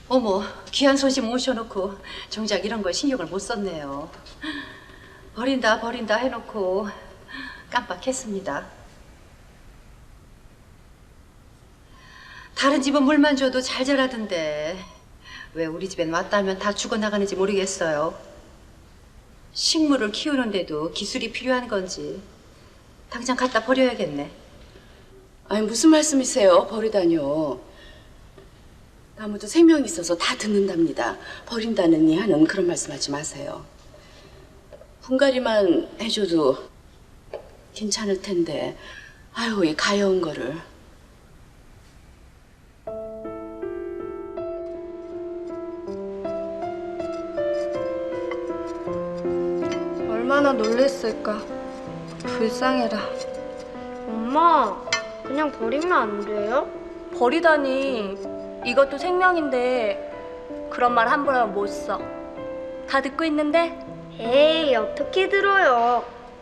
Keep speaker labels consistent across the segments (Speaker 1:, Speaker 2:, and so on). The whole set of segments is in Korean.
Speaker 1: 어머, 귀한 손님 모셔놓고 정작 이런 걸 신경을 못 썼네요. 버린다 버린다 해놓고 깜빡했습니다. 다른 집은 물만 줘도 잘 자라던데 왜 우리 집엔 왔다면 다 죽어나가는지 모르겠어요. 식물을 키우는데도 기술이 필요한 건지 당장 갖다 버려야겠네.
Speaker 2: 아니 무슨 말씀이세요? 버리다뇨. 나무도 생명이 있어서 다 듣는답니다. 버린다느니 하는 그런 말씀하지 마세요. 분갈이만 해줘도 괜찮을 텐데 아유 이 가여운 거를.
Speaker 3: 얼마나 놀랬을까. 불쌍해라.
Speaker 4: 엄마, 그냥 버리면 안 돼요?
Speaker 5: 버리다니. 이것도 생명인데 그런 말 함부로 하면 못 써. 다 듣고 있는데?
Speaker 4: 에이, 어떻게 들어요?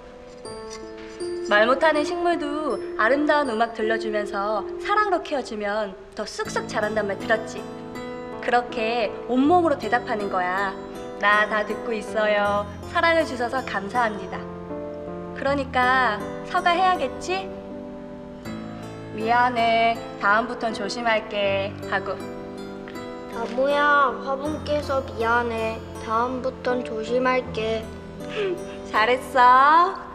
Speaker 5: 말 못하는 식물도 아름다운 음악 들려주면서 사랑으로 키워주면 더 쑥쑥 자란단 말 들었지? 그렇게 온몸으로 대답하는 거야. 나 다 듣고 있어요. 사랑을 주셔서 감사합니다. 그러니까 사과해야겠지? 미안해. 다음부턴 조심할게. 하고.
Speaker 4: 나무야, 화분 깨서 미안해. 다음부턴 조심할게.
Speaker 5: 잘했어.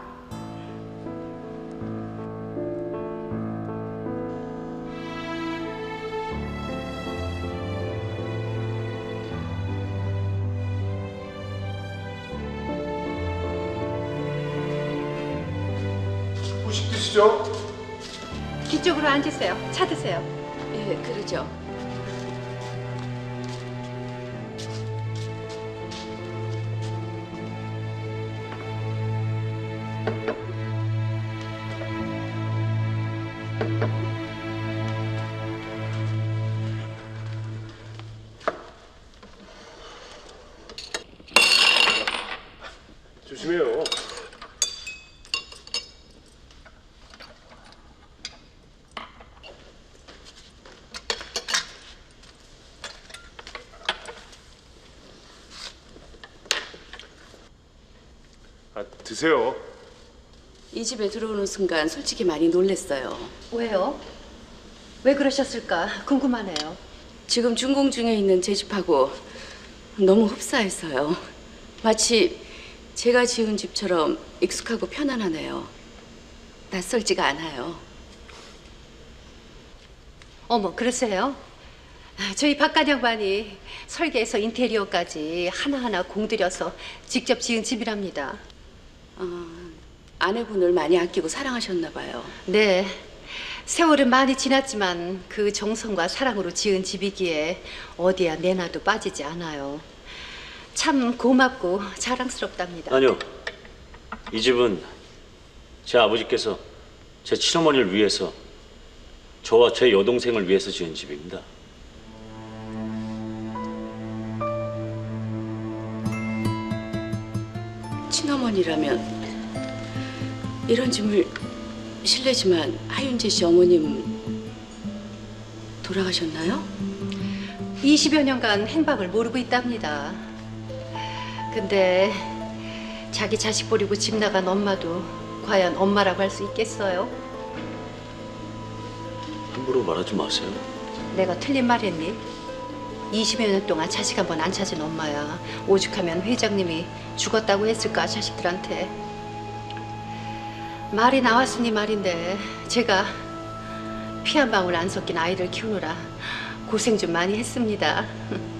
Speaker 6: 후식 드시죠?
Speaker 1: 뒤쪽으로 앉으세요. 차 드세요.
Speaker 2: 예, 그러죠.
Speaker 6: 조심해요. 드세요.
Speaker 2: 이 집에 들어오는 순간 솔직히 많이 놀랬어요.
Speaker 1: 왜요? 왜 그러셨을까 궁금하네요.
Speaker 2: 지금 준공 중에 있는 제 집하고 너무 흡사해서요. 마치 제가 지은 집처럼 익숙하고 편안하네요. 낯설지가 않아요.
Speaker 1: 어머, 그러세요? 저희 박간 양반이 설계해서 인테리어까지 하나하나 공들여서 직접 지은 집이랍니다.
Speaker 2: 아내분을 많이 아끼고 사랑하셨나 봐요.
Speaker 1: 네, 세월은 많이 지났지만 그 정성과 사랑으로 지은 집이기에 어디야 내놔도 빠지지 않아요. 참 고맙고 자랑스럽답니다.
Speaker 7: 아니요. 이 집은 제 아버지께서 제 친어머니를 위해서 저와 제 여동생을 위해서 지은 집입니다.
Speaker 2: 친어머니라면 이런 짐을 실례지만 하윤재 씨 어머님 돌아가셨나요?
Speaker 1: 20여 년간 행방을 모르고 있답니다. 근데 자기 자식 버리고 집 나간 엄마도 과연 엄마라고 할 수 있겠어요?
Speaker 7: 함부로 말하지 마세요.
Speaker 1: 내가 틀린 말 했니? 20여 년 동안 자식 한 번 안 찾은 엄마야. 오죽하면 회장님이 죽었다고 했을까 자식들한테. 말이 나왔으니 말인데 제가 피 한 방울 안 섞인 아이를 키우느라 고생 좀 많이 했습니다.